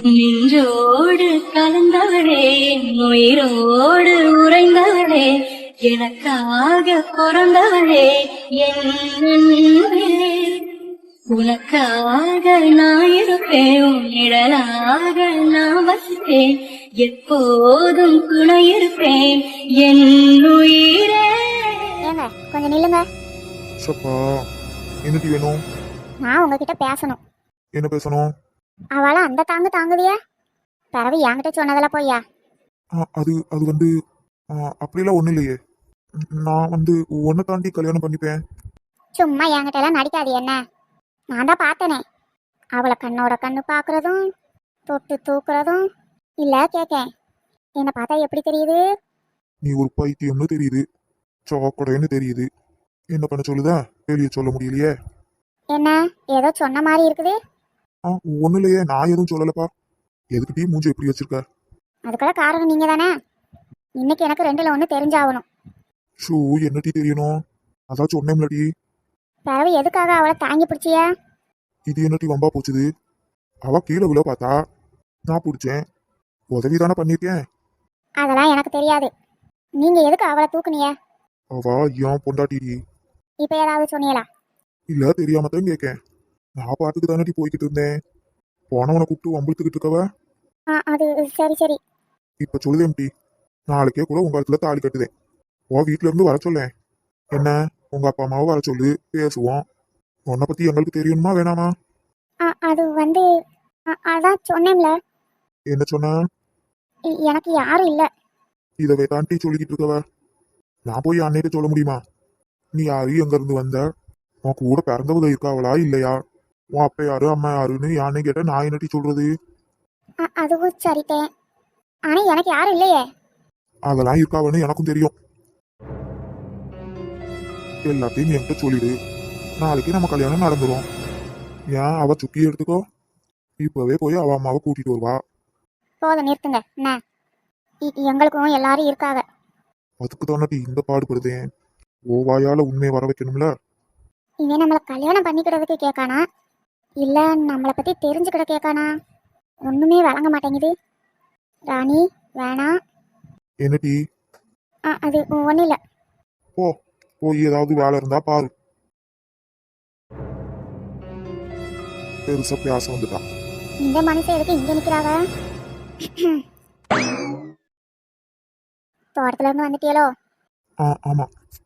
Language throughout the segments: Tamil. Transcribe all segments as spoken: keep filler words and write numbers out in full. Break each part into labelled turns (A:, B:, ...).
A: நின்றோடு கலந்தவளே, உயிரோடு உறைந்தவளே, எனக்காக பிறந்தவளே என் அன்பே. உனக்காக நான் இருப்பேன், உன் நிழலாக நான் வசிப்பேன், எப்போதும் துணை இருப்பேன் என் உயிரே.
B: ஏங்க கொஞ்சம் நில்லுங்க.
C: சப்பா என்னடி வேணும்?
B: நான் உங்ககிட்ட பேசணும்.
C: என்ன பேசணும்?
B: அவளை அந்த தாங்கு தாங்குதியா, பிறவு என்கிட்ட சொன்னதெல்லாம் போய்யா?
C: ஆ, அது அது வந்து ஆ, அப்படிலாம் ஒன்றும் இல்லையே. நான் வந்து ஒன்றை தாண்டி கல்யாணம் பண்ணிப்பேன்.
B: சும்மா என்கிட்ட எல்லாம் நடிக்காது என்ன. நான் தான் பார்த்தனே, அவளை கண்ணோட கண்ணு பார்க்கறதும் தொட்டு தூக்குறதும் இல்லை. கேட்கேன், என்னை பார்த்தா எப்படி தெரியுது?
C: நீ ஒரு பைத்தியம்னு தெரியுது, சாக்கடைன்னு தெரியுது. என்ன பண்ண சொல்லுதா? வெளியே சொல்ல முடியலையே.
B: என்ன ஏதோ சொன்ன மாதிரி இருக்குது.
C: ஆ ஒன்றும் இல்லையே, நான் எதுவும் சொல்லலப்பா. எதுக்கு டீ மூஞ்சி எப்படி வச்சிருக்க?
B: அதுக்கெல்லாம் காரணம் நீங்க தானே. இன்னைக்கு எனக்கு ரெண்டுல ஒன்று தெரிஞ்சாகணும்.
C: ஷூ என்ன டீ தெரியணும்? அதான் சொன்னேன்ல டீ.
B: பிறவு எதுக்காக அவளை தாங்கி பிடிச்சியா?
C: இது என்ன டீ வம்பா போச்சுது? அவ கீழே விழ பார்த்தா நான் பிடிச்சேன், உதவி தானே பண்ணியிருக்கேன்.
B: அதெல்லாம் எனக்கு தெரியாது. நீங்க எதுக்கு அவளை தூக்குனிய?
C: அவா ஏன் பொண்டாட்டி டீ.
B: இப்ப ஏதாவது சொன்னீங்களா?
C: இல்ல தெரியாம தான் கேட்கேன். நான் பாட்டுக்கு தானே டீ போய்கிட்டு இருந்தேன். போனவனை கூப்பிட்டு வம்பிழுத்துக்கிட்டு இருக்கவ.
B: ஆ அது சரி சரி.
C: இப்ப சொல்லுதேன் டீ, நாளைக்கே கூட உங்க இடத்துல தாலி கட்டுதேன். உன் வீட்டுல இருந்து வர சொல்லேன். என்ன உங்க அப்பா அம்மாவை வர சொல்லு, பேசுவோம். உன்னை பத்தி எங்களுக்கு தெரியணுமா வேணாமா?
B: ஆ அது வந்து ஆ, அதான் சொன்னேன்ல.
C: என்ன சொன்ன?
B: எ- எனக்கு யாரும் இல்லை.
C: இதவே தான் டீ சொல்லிக்கிட்டு இருக்கவ. நான் போய் அன்னைக்கு சொல்ல முடியுமா? நீ யாரு, எங்க இருந்து வந்த, உன் கூட பிறந்தவங்க இருக்காவளா இல்லையா, உன் அப்பா யாரு அம்மா யாருன்னு யானை கேட்ட நான் என்ன டீ சொல்றது?
B: ஆ, அதுவும் சரித்தேன். ஆனா எனக்கு யாரும் இல்லையே.
C: அதெல்லாம் இருக்காவன்னு எனக்கும் தெரியும். எல்லாத்தையும் என்கிட்ட சொல்லிடு, நாளைக்கு நம்ம கல்யாணம் நடந்துரும். ஏன் அவ சுக்கி எடுத்துக்கோ, இப்பவே போய் அவ அம்மாவை கூட்டிட்டு வருவா.
B: போதும் நிறுத்துங்க. என்ன இ- எங்களுக்கும் எல்லாரும் இருக்காங்க.
C: அதுக்கு தானே இந்த பாடுபடுதேன். ஓ வாயால உண்மையை வர வைக்கணும்ல.
B: இவன் நம்மளை கல்யாணம் பண்ணிக்கிறதுக்கு கேட்கானா இல்லை நம்மளை பற்றி தெரிஞ்சுக்கிட கேட்கானா? ஒன்றுமே வழங்க மாட்டேங்குது. ராணி வேணாம்.
C: என்ன டீ?
B: ஆ அது ஒன்றும் இல்லை.
C: போ, போய் ஏதாவது வேலை இருந்தா பாரு. பெருசா பேச வந்துட்டான்.
B: இந்த மனுஷன் எதுக்கு இங்கே நிற்கிறாவ? தோட்டத்துல இருந்து வந்துட்டியலோ?
C: ஆ ஆமா.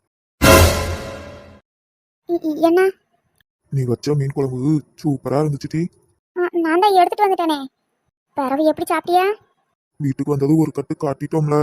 B: இ- இ- என்ன?
C: நீ வச்ச மீன் குழம்பு சூப்பரா இருந்துச்சு டீ.
B: ஆ, நான் தான் எடுத்துட்டு வந்துட்டேனே. பிறவு எப்படி சாப்பிட்டியா?
C: வீட்டுக்கு வந்தது ஒரு கட்டு காட்டிட்டோம்ல.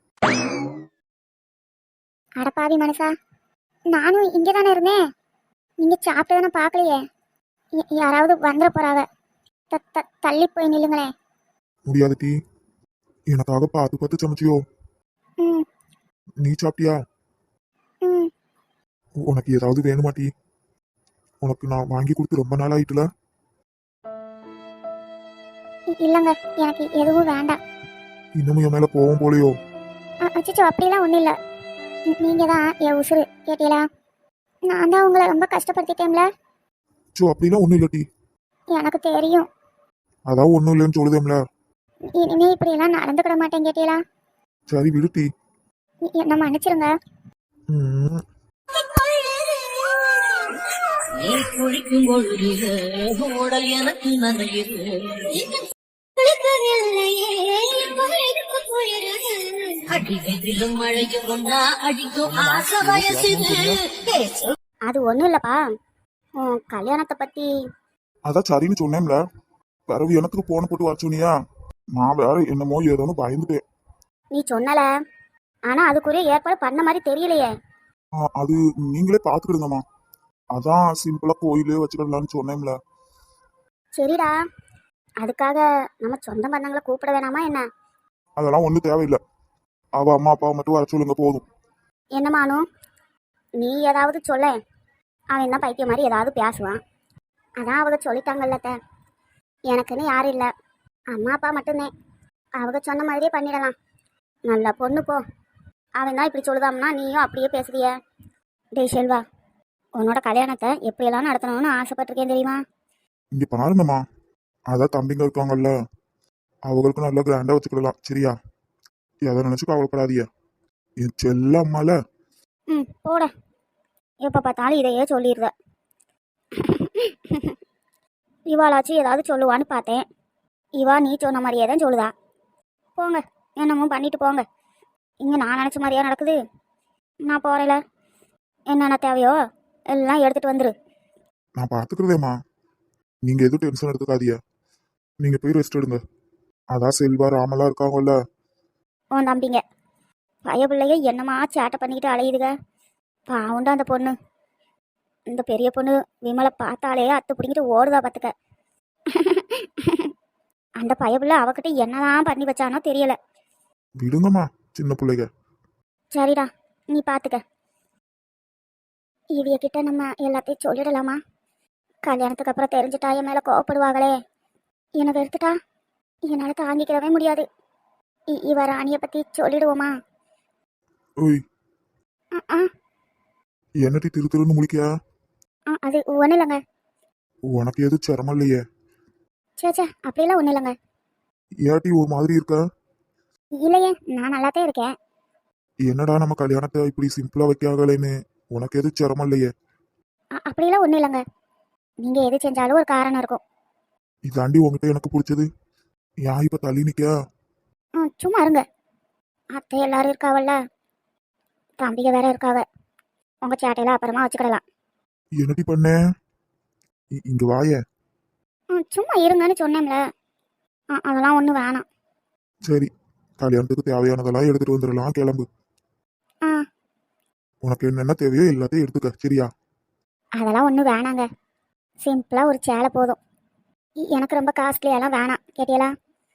B: அடப்பாவி மனுஷா, நானும் இங்கே தானே இருந்தேன். நீங்கள் சாப்பிட்டதானே பார்க்கலையே. ய- யாராவது வந்துட போறாவ. த த- தள்ளி போய் நில்லுங்களேன்.
C: முடியாது டீ, எனக்காக பார்த்து பார்த்து சமைச்சியோ.
B: ம்
C: நீ சாப்பிட்டியா?
B: ம்
C: உனக்கு ஏதாவது வேணுமா டீ? உனக்கு நான் வாங்கி கொடுத்து ரொம்ப நாள் ஆயிட்டுல.
B: இ- இல்லைங்க, எனக்கு எதுவும் வேண்டாம்.
C: இன்னமும் என் மேல போவோம் போலையோ?
B: அச்சோ அப்படிலாம் ஒன்றும் இல்லை. நீங்கள் தான் என் உசுறு கேட்டீங்களா? நான் தான் உங்களை ரொம்ப கஷ்டப்படுத்திட்டேன்ல.
C: சோ அப்படிலாம் ஒண்ணும் இல்ல டீ.
B: எனக்கு தெரியும்.
C: அதான் ஒண்ணும் இல்லைன்னு சொல்லுதேம்ல.
B: இனிமே இப்படியெல்லாம் நடந்துக்கிட மாட்டேன் கேட்டீங்களா?
C: சரி விடு டீ.
B: என்ன மன்னிச்சிருங்க.
C: ம்
A: நீ குளிக்கும் பொழுது உடல் எனக்கு நனையுது. அடிவெதிலும் மழையும் ஒன்னா அடிக்கும் ஆசை வயசுது.
B: அது ஒன்றும் இல்லைப்பா, உன் கல்யாணத்தை பற்றி.
C: அதான் சரின்னு சொன்னேன்ல. பிறகு எனக்கு போன போட்டு வர சொன்னியா, நான் வேற என்னமோ ஏதோன்னு பயந்துட்டேன்.
B: நீ சொன்னல, ஆனால் அதுக்குரிய ஏற்பாடு பண்ண மாதிரி தெரியலையே.
C: ஆ, அது நீங்களே பாத்துக்கிடுங்கம்மா. அதான் சிம்பிளா கோயிலே வச்சுக்கிடலான்னு சொன்னேன்ல.
B: சரிடா, அதுக்காக நம்ம சொந்த பந்தங்களை கூப்பிட வேணாமா என்ன?
C: அதெல்லாம் ஒன்றும் தேவையில்லை. அவ அம்மா அப்பாவை மட்டும் வர சொல்லுங்க போதும்.
B: என்னமானோ நீ ஏதாவது சொல்ல, அவன் என்ன பைத்தியம் மாதிரி ஏதாவது பேசுவான். அதான் அவங்க சொல்லிட்டாங்கல்லத்த, எனக்குன்னு யாரும் இல்லை, அம்மா அப்பா மட்டும்தான். அவங்க சொன்ன மாதிரியே பண்ணிடலாம். நல்ல பொண்ணு போ. அவன் தான் இப்படி சொல்லுதாம்னா நீயும் அப்படியே பேசுறிய. டேய் செல்வா, உன்னோட கல்யாணத்தை எப்படியெல்லாம் நடத்தணும்னு ஆசைப்பட்டிருக்கேன் தெரியுமா?
C: இங்க பாருங்கம்மா, அதான் தம்பிங்க இருக்காங்கல்ல, அவங்களுக்கு நல்லா கிராண்டா வச்சுக்கிடலாம் சரியா? எதை நினைச்சு கவலைப்படாதீங்க. என் செல்ல அம்மால.
B: ம் போட. எப்போ பார்த்தாலும் இதையே சொல்லிடுற. இவாளாச்சும் ஏதாவது சொல்லுவான்னு பார்த்தேன். இவா நீ சொன்ன மாதிரியே தான் சொல்லுதா. போங்க, என்னமோ பண்ணிட்டு போங்க. இங்கே நான் நினச்ச மாதிரியா நடக்குது? நான் போகிறேல, என்னென்ன தேவையோ எல்லாம் எடுத்துகிட்டு வந்துரு.
C: நான் பார்த்துக்கிறதேம்மா. நீங்க எதுவும் டென்ஷன் எடுத்துக்காதீங்க. நீங்க போய் ரெஸ்ட் எடுங்க. அதான் செல்வா ராமெல்லாம் இருக்காங்கல்ல.
B: உன் தம்பிங்க பய பிள்ளைய என்னமா சேட்டை பண்ணிக்கிட்டு அலையுதுங்க. பாவுண்டா அந்த பொண்ணு. இந்த பெரிய பொண்ணு விமலை பார்த்தாலே அத்தை பிடிங்கிட்டு ஓடுதா பார்த்துக்க. அந்த பய பிள்ளை அவகிட்ட என்னதான் பண்ணி வச்சானோ தெரியல.
C: விடுங்கம்மா சின்ன பிள்ளைங்க.
B: சரிடா, நீ பார்த்துக்க. இவிய கிட்ட நம்ம எல்லாத்தையும் சொல்லிடலாமா? கல்யாணத்துக்கு அப்புறம் தெரிஞ்சுட்டா என் மேலே கோவப்படுவாங்களே. என்னை வெறுத்துட்டா என்னால் தாங்கிக்கிறவே முடியாது. இ- இவ ராணியை பற்றி சொல்லிடுவோமா?
C: ஓய்,
B: ஆ ஆ
C: என்னடி திரு திருன்னு முழிக்கியா?
B: ஆ, அது ஒன்றும் இல்லைங்க.
C: உனக்கு எதுவும் சிரமம் இல்லையே?
B: சே சே அப்படிலாம் ஒன்றும் இல்லைங்க.
C: ஏட்டி ஒரு மாதிரி இருக்க?
B: இல்லையே, நான் நல்லாத்தான் இருக்கேன்.
C: என்னடா நம்ம கல்யாணத்தை இப்படி சிம்பிளா வைக்காகலேன்னு. உனக்கு எதுவும் சிரமம் இல்லையே?
B: அ- அப்படிலாம் ஒன்றும் இல்லைங்க. நீங்கள் எது செஞ்சாலும் ஒரு காரணம் இருக்கும்.
C: இதாண்டி உங்ககிட்ட எனக்கு பிடிச்சது. ஏன் இப்ப தள்ளி நிக்க?
B: ம் சும்மா இருங்க. அத்தை எல்லாரும் இருக்காவல்ல, தம்பிக வேற இருக்காவ. உங்கள் சேட்டையில அப்புறமா வச்சுக்கிடலாம்.
C: என்னடி பண்ண? இ- இங்க வாயே.
B: ம் சும்மா இருங்கன்னு சொன்னேன்ல. ஆ அதெல்லாம் ஒன்றும் வேணாம்.
C: சரி, கல்யாணத்துக்கு தேவையானதெல்லாம் எடுத்துட்டு வந்துடலாம். கிளம்பு.
B: ஆ
C: உனக்கு என்னென்ன தேவையோ எல்லாத்தையும் எடுத்துக்க சரியா?
B: அதெல்லாம் ஒன்றும் வேணாங்க. சிம்பிளாக ஒரு சேலை போதும். இ- எனக்கு ரொம்ப காஸ்ட்லியெல்லாம் வேணாம். கேட்டியலா?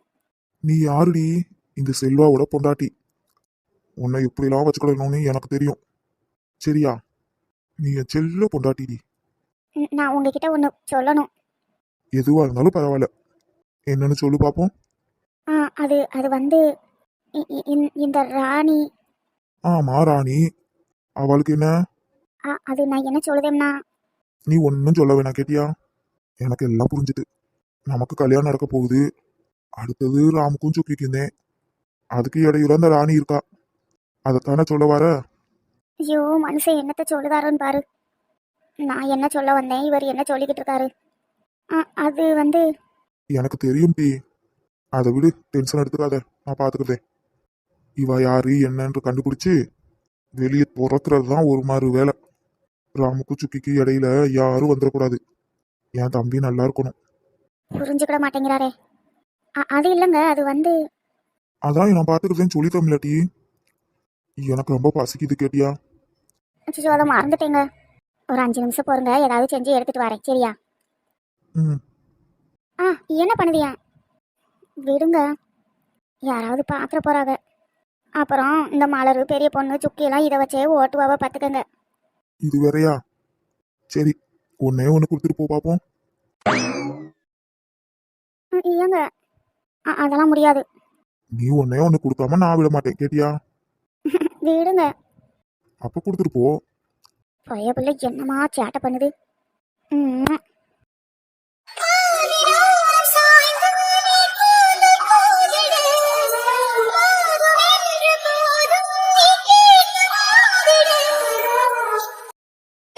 C: நீ யாருடி? இந்த செல்வாவோட பொண்டாட்டி. உன்னை எப்படிலாம் வச்சுக்கணும்னு எனக்கு தெரியும் சரியா? நீ என் செல்ல பொண்டாட்டிடி.
B: ம், நான் உங்ககிட்ட ஒன்று சொல்லணும்.
C: எதுவா இருந்தாலும் பரவாயில்ல. என்னன்னு சொல்லு பாப்போம்.
B: ஆ அது அது வந்து இ- இ- இந்த- இந்த ராணி.
C: ஆமா ராணி. அவளுக்கு என்ன?
B: ஆ அது நான் என்ன சொல்லுதேன்னா.
C: நீ ஒன்னும் சொல்ல வேணாம் கேட்டியா? எனக்கு எல்லாம் புரிஞ்சுது. நமக்கு கல்யாணம் நடக்க போகுது. அடுத்தது ராமுக்கும் சுக்கிக்குந்தேன். அதுக்கு இடையில அந்த ராணி இருக்கா. அதைத்தானே சொல்ல வர?
B: ஐயோ மனுஷன் என்னத்த சொல்லுதாரோன்னு பாரு. நான் என்ன சொல்ல வந்தேன், இவர் என்ன சொல்லிக்கிட்டு இருக்காரு. ஆ அது வந்து
C: எனக்கு தெரியும் டி. அதை விடு, டென்ஷன் எடுத்துக்காத. நான் பாத்துக்கிறேன். இவ யாரு என்னன்னு கண்டுபிடிச்சு வெளியே துறக்கிறது தான் ஒரு மாதிரி வேலை. ராமுக்கு சுக்கிக்கு இடையில யாரும் வந்துடக்கூடாது. என் தம்பி நல்லா இருக்கணும்.
B: புரிஞ்சுக்கிட மாட்டேங்கிறாரே. அ- அது இல்லைங்க, அது வந்து
C: அதான் நான் பாத்துக்கிறேன்னு சொல்லிட்டோம் இல்லாட்டி. எனக்கு ரொம்ப பசிக்குது கேட்டியா?
B: அச்சோ அதை மறந்துட்டேங்க. ஒரு அஞ்சு நிமிஷம் போருங்க, ஏதாவது செஞ்சு எடுத்துட்டு வரேன் சரியா?
C: ம்.
B: ஆ என்ன பண்ணுதியா? விடுங்க, யாராவது பாத்திர போறாங்க. அப்புறம் இந்த மலரு பெரிய பொண்ணு சுக்கியெல்லாம் இதை வச்சே ஓட்டுவாவ பார்த்துக்கங்க.
C: இது வேறயா? சரி, ஒன்னே ஒன்று கொடுத்துட்டு போ பாப்போம்.
B: ம், ஏங்க அ- அதெல்லாம் முடியாது.
C: நீ ஒன்னே ஒன்று கொடுக்காம நான் விட மாட்டேன் கேட்டியா?
B: விடுங்க.
C: அப்ப கொடுத்துட்டு போ.
B: பைய பிள்ளை என்னமா சேட்டை பண்ணுது. ம்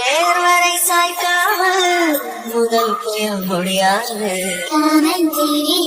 A: நேர்வரை சாய்க்காமல் முதல் புயல் முடியாது.